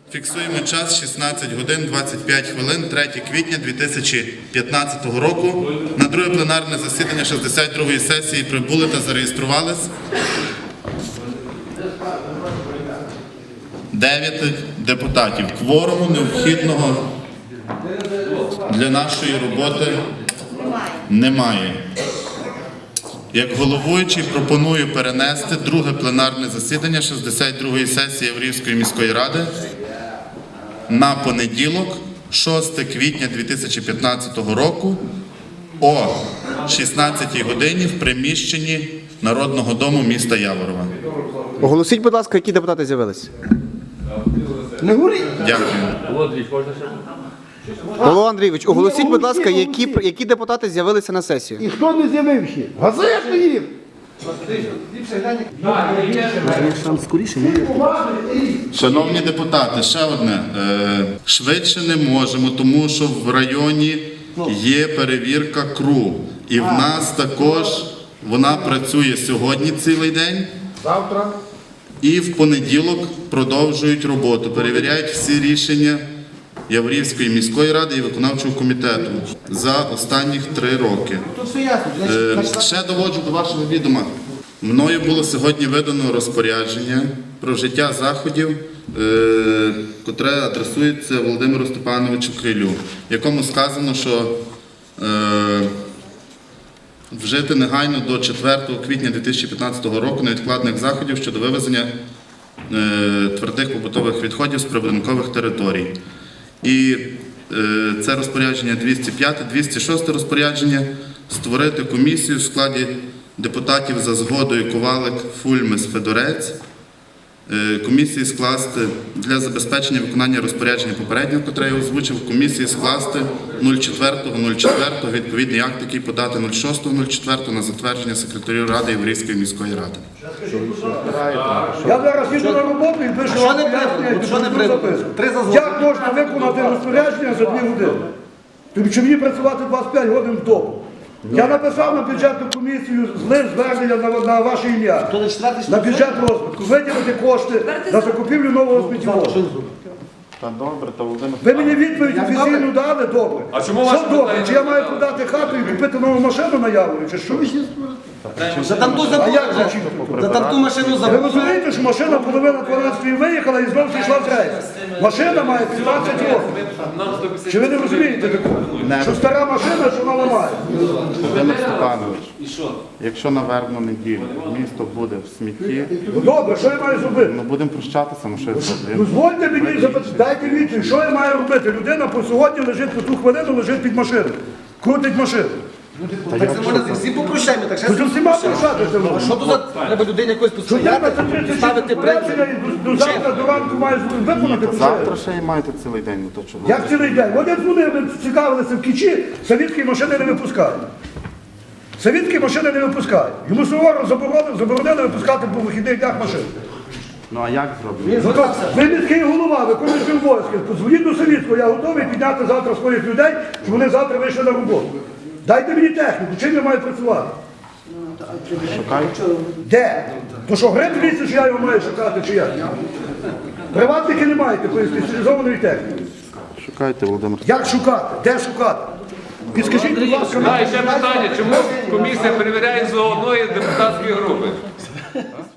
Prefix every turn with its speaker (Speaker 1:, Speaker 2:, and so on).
Speaker 1: Фіксуємо час 16 годин 25 хвилин, 3 квітня 2015 року. На друге пленарне засідання 62-ї сесії прибули та зареєструвались 9 депутатів. Кворуму необхідного для нашої роботи немає. Як головуючий пропоную перенести друге пленарне засідання 62-ї сесії Яворівської міської ради на понеділок, 6 квітня 2015 року о 16 годині в приміщенні Народного дому міста Яворова.
Speaker 2: Оголосіть, будь ласка, які депутати з'явились.
Speaker 1: Дякую.
Speaker 2: Павло Андрійович, оголосіть, будь ласка, які депутати з'явилися на сесію.
Speaker 3: І хто не з'явився? Газету їм!
Speaker 1: Шановні депутати, ще одне. Швидше не можемо, тому що в районі є перевірка КРУ. І в нас також вона працює сьогодні цілий день.
Speaker 3: Завтра.
Speaker 1: І в понеділок продовжують роботу, перевіряють всі рішення Яворівської міської ради і виконавчого комітету за останніх 3 роки.
Speaker 3: Тут все ясно.
Speaker 1: Ще доводжу до вашого відома. Мною було сьогодні видано розпорядження про вжиття заходів, котре адресується Володимиру Степановичу Крилю, в якому сказано, що вжити негайно до 4 квітня 2015 року невідкладних заходів щодо вивезення твердих побутових відходів з прибудинкових територій. І це розпорядження 205, 206 розпорядження створити комісію в складі депутатів за згодою Ковалик, Фульмес, Федорець. Комісії скласти для забезпечення виконання розпорядження попереднього, котре я озвучив, комісії скласти 04.04 відповідний акт, який подати 06.04 на затвердження секретарю Ради Яворівської міської ради.
Speaker 3: Я зараз їду на роботу і пишу вам пояснення. Як можна виконати розпорядження за 2 години? Тобі чи мені працювати 25 годин в добу? Я написав на бюджетну комісію звернення на ваше ім'я, на бюджет розвитку, виділити кошти на закупівлю нового сміттєвозу.
Speaker 1: Та добре, та Володимир.
Speaker 3: Ви мені відповідь офіційну дали? Добре.
Speaker 4: А чому
Speaker 3: Що
Speaker 4: вас
Speaker 3: добре?
Speaker 4: питання?
Speaker 3: Чи я маю продати хату і купити нову машину на Яворі, чи що?
Speaker 2: За там ту
Speaker 3: А як звучить?
Speaker 2: машину
Speaker 3: Ви
Speaker 2: забули.
Speaker 3: розумієте, що машина половина 12-ї виїхала і знову йшла в рейс. Машина має 15 років. Чи ви не розумієте такого? Що стара машина, що вона ламає?
Speaker 1: Володимир Степанович, якщо на вербну неділю місто буде в смітті,
Speaker 3: Ну добре, що я маю зробити?
Speaker 1: ми будемо прощатися, ми щось зробимо.
Speaker 3: Дозвольте мені, дайте відповідь, що я маю робити? Людина по сьогодні лежить, по ту хвилину лежить під машиною. Крутить машину.
Speaker 2: Так це можна всі попрощаємо, так
Speaker 3: То з усіма прощатися можна.
Speaker 2: що тут треба людині якось
Speaker 3: Що я на
Speaker 2: постояти,
Speaker 3: це
Speaker 2: ставити
Speaker 3: розпорядження і до завтра, до ранку маю виконати
Speaker 1: Завтра
Speaker 3: проєкт.
Speaker 1: ще й маєте цілий день, ну то чого?
Speaker 3: Як цілий день? От я дзвонив, ми цікавилися в Кічі, совітські машини не випускають. Совітські машини не випускають. Йому суворо заборонили випускати по вихідних днях машин.
Speaker 1: Ну а як зробити?
Speaker 3: Ну, то ви міський голова, виконуючий обов'язки. Подзвоніть до Совітського, я готовий підняти завтра своїх людей, щоб вони завтра вийшли на роботу. Дайте мені техніку, чим я маю працювати? Де? То що, гриб в лісі, чи я його маю шукати, чи як? Приватники не маєте спеціалізованої техніки.
Speaker 1: Шукайте, Володимир.
Speaker 3: Як шукати? Де шукати? Підскажіть, будь ласка,
Speaker 4: А, і ще питання, чому комісія перевіряє з одної депутатської групи?